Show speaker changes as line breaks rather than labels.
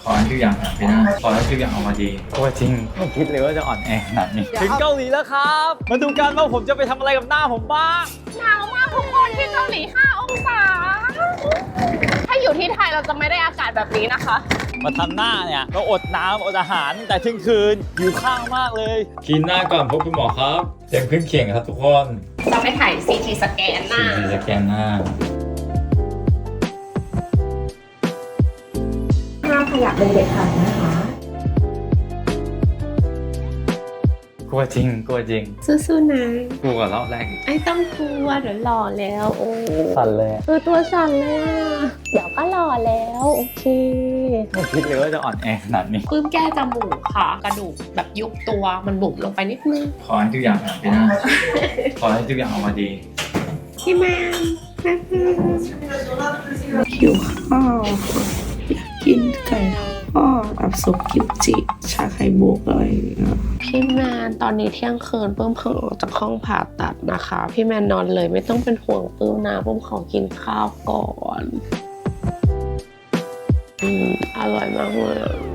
ขอให้ทุกอย่างผ่านไปได้ขอให้ทุกอย่างออกมาดีโอ้จริงไม่คิดเลยว่าจะอ่อนแอขนาดนี้ถึงเกาหลีแล้วครับ มาดูกันว่าผมจะไปทำอะไรกับหน้าผมบ้าง
หนาวมากทุกคนที่เกาหลี 5 องศา ถ้าอยู่ที่ไทยเราจะไม่ได้อากาศแบบนี้นะคะ
มาทำหน้าเนี่ยเราอดน้ำอดอาหารตั้งแต่เที่ยงคืนหิวข้าวมากเลยกินหน้าก่อนพบคุณหมอครับเสียงขึ้นเขียงครับทุกคน
จะไปถ่าย CT สแกนหน้า
สีสแกนหน้า
ห้ามขยับเลยเด็ดขาดนะคะ
กลัวจริงกลัวจริง
สู้ๆนะ
กลัวกว่ารอบแรกอีก
ไอ้ต้องกลัวเดี๋ยวหล่อแล้ว โอ้
สั่นเลย
ตัวสั่นเลยอ่ะ เดี๋ยวก็หล่อแล้ว โอเค
ไม่คิดเลยว่าจะอ่อนแอขนาดนี้
ปลื้มแก้จมูกค่ะ กระดูกแบบยุบตัวมันบุ๋มลงไปนิดนึง
ขอให้ทุกอย่างผ่านไปได้ขอให้ทุกอย่างออกมาดี
พี่แมนหิวข้าวอยากกินไก่ทอดแบบซุปกิมจิชาไข่มุกอะไรอย่างเงี้ยพี่แมนตอนนี้เที่ยงคืนปื้มเพิ่งออกจากห้องผ่าตัดนะคะ พี่แมนนอนเลยไม่ต้องเป็นห่วงปื้มนะปื้มขอกินข้าวก่อนอร่อยมากเลย